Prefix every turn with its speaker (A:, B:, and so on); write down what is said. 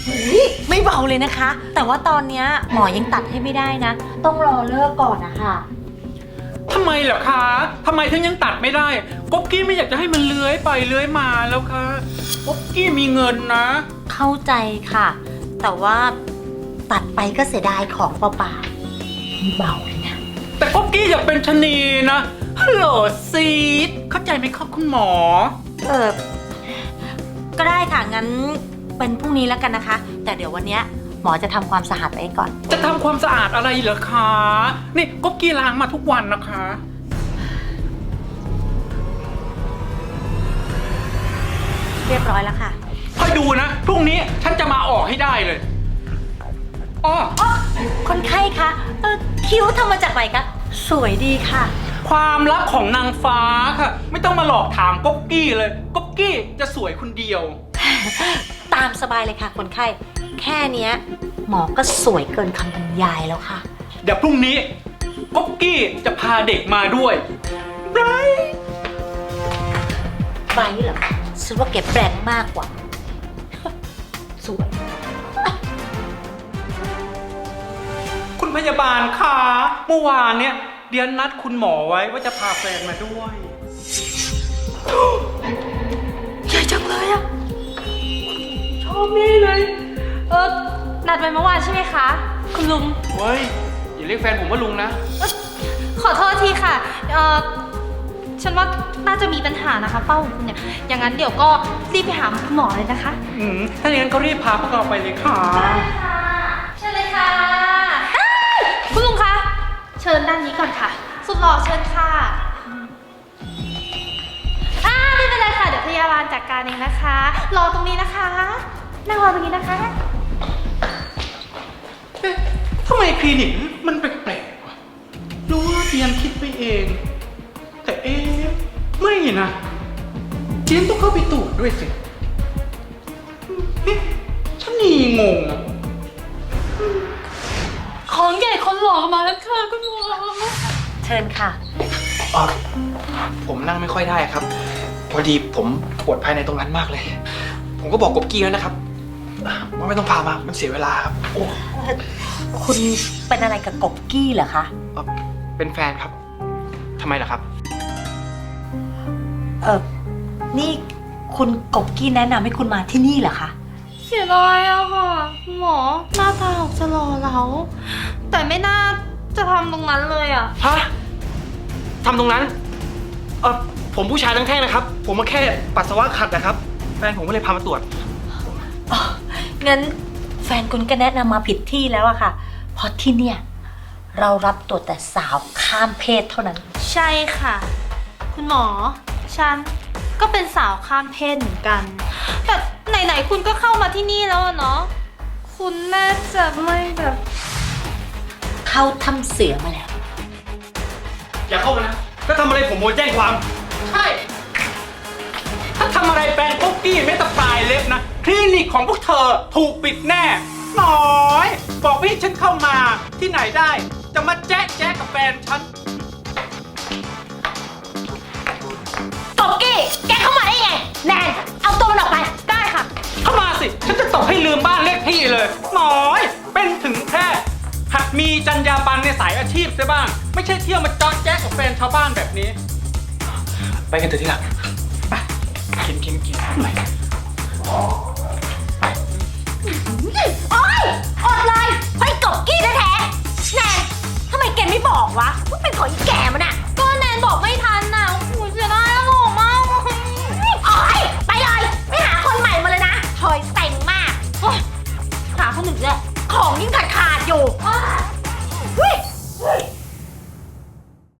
A: ไม่เบาเลยนะคะ แต่ว่าตอนเนี้ยหมอยังตัดให้ไม่ได้นะ ต้องรอเลิกก่อนนะคะ
B: ทำไมเหรอคะทำไมถึงยังตัดไม่ได้ก๊บกี้ไม่อยากจะให้มันเลื้อยไปเลื้อยมาแล้วคะก๊บกี้มีเงินนะ
A: เข้าใจค่ะ แต่ว่าตัดไปก็เสียดายของเปล่าๆไม่เบาเลยนะ
B: แต่ก๊บกี้อยากเป็นชะนีนะฮัลโหลซีดเข้าใจไหมครับคุณหมอ
A: ก็ได้ค่ะ งั้นเป็นพรุ่งนี้แล้วกันนะคะ แต่เดี๋ยววันเนี้ยหมอจะทำความสะอาดไปก่อน
B: จะทำความสะอาดอะไรเหรอคะ นี่ก๊บกี้ล้างมาทุกวันนะคะ
A: เรียบร้อยแล้วค่ะ
B: คอยดูนะพรุ่งนี้ฉันจะมาออกให้ได้เลยอ้อ
A: คนไข้คะคิ้วทำมาจากไหนคะสวยดีค่ะ
B: ความลับของนางฟ้าค่ะ ไม่ต้องมาหลอกถามก๊บกี้เลยก๊บกี้จะสวยคนเดียว
A: ตามสบายเลยค่ะคนไข้ แค่เนี้ยหมอก็สวยเกินคำบรรยายแล้วค่ะ
B: เดี๋ยวพรุ่งนี้ก๊บกี้จะพาเด็กมาด้วยไร
A: ไบเหรอฉันว่าแกแปลงมากกว่า สวย
B: คุณพยาบาลคะเมื่อวานเนี่ยเดียนนัดคุณหมอไว้ว่าจะพาแฟนมาด้วย
A: ใหญ่จังเลยอะชอบนี่เลย
C: นัดไว้เมื่อวานใช่ไหมคะ คุณลุง
D: เฮ้ย อย่าเรียกแฟนผมว่าลุงนะ
C: ขอโทษทีค่ะ ฉันว่าน่าจะมีปัญหานะคะเป้าของคุณเนี่ย อย่างนั้นเดี๋ยวก็รีบไปหาคุณหมอเลยนะคะ
B: ถ้าอย่างนั้นก็รีบพาพวกเราไปเลยค่ะ
C: ได้ค่ะ เชิญเลยค่ะคุณลุงคะ เชิญด้านนี้ก่อนค่ะ สุดหล่อเชิญค่ะไม่เป็นไรค่ะ เดี๋ยวพยาบาลจัดการเองนะคะ รอตรงนี้นะคะ นั่งรอตรงนี้นะคะ
B: เอ๊ะทำไมคลินิกมันแปลกๆวะรู้ว่าเดียนคิดไปเอง แต่เอ๊ะไม่นะเดียนต้องเข้าไปตรวจด้วยสิเอ๊ะฉันนี่งงอะ
C: ของใหญ่คนหล่อมาแล้วค่ะคุณหมอ
A: เชิญค่ะ
D: ผมนั่งไม่ค่อยได้ครับ พอดีผมปวดภายในตรงนั้นมากเลย ผมก็บอกกบกี้แล้วนะครับว่าไม่ต้องพามา มันเสียเวลาครับ โอ้
A: คุณเป็นอะไรกับกบกี้เหรอคะ
D: เป็นแฟนครับ ทำไมล่ะครับ
A: นี่คุณกบกี้แนะนำให้คุณมาที่นี่เหรอคะ
C: เสียดายอะค่ะคุณหมอหน้าตาออกจะหล่อเหลาแต่ไม่น่าจะทำตรงนั้นเลยอะ
D: ฮะทำตรงนั้น ผมผู้ชายทั้งแท่งนะครับ ผมมาแค่ปัสสาวะขัดนะครับ แฟนผมก็เลยพามาตรวจ
A: งั้นแฟนคุณก็แนะนำมาผิดที่แล้วอะค่ะ เพราะที่เนี่ยเรารับตรวจแต่สาวข้ามเพศเท่านั้น
C: ใช่ค่ะ คุณหมอฉันก็เป็นสาวข้ามเพศเหมือนกัน แต่ไหนๆคุณก็เข้ามาที่นี่แล้วอะเนาะคุณน่าจะไม่แบบ
A: เข้าถ้ำเสือมาแล้ว
D: อย่าเข้ามานะ ถ้าทำอะไรผมโดนแจ้งความ
B: ใช่ ถ้าทำอะไรแฟนก๊บกี้ไม่ตะปลายเล็บนะ คลินิกของพวกเธอถูกปิดแน่น้อย บอกพี่ฉันเข้ามาที่ไหนได้ จะมาแจ๊ะกับแฟนฉัน
A: กบกี้ แกเข้ามาได้ไง แนน เอาตัวมันออกไป
C: ได้ค่ะ
B: เข้ามาสิ ฉันจะตบให้ลืมบ้านเลขที่เลยน้อย เป็นถึงแค่หัดมีจรรยาบรรณในสายอาชีพซะบ้าง ไม่ใช่เที่ยวมาจอดแจ๊กกับแฟนชาวบ้านแบบนี้
D: ไปกันเถอะที่หลังไปกินไป
A: โอ๊ยอดเลยเฮ้ยกบกี้แท้ๆแนนทำไมแกไม่บอกวะว่าเป็นของอีแกมันอะ
C: ก็แนนบอกไม่ทันน่ะโอ้โหเสียดายอะหล่อมาก
A: โอ๊ยไปเลยไปหาคนใหม่มาเลยนะถอยเซ็งมากโอ๊ยหาคนหนึ่งเลยของยิ่งขาดอยู่เฮ้ย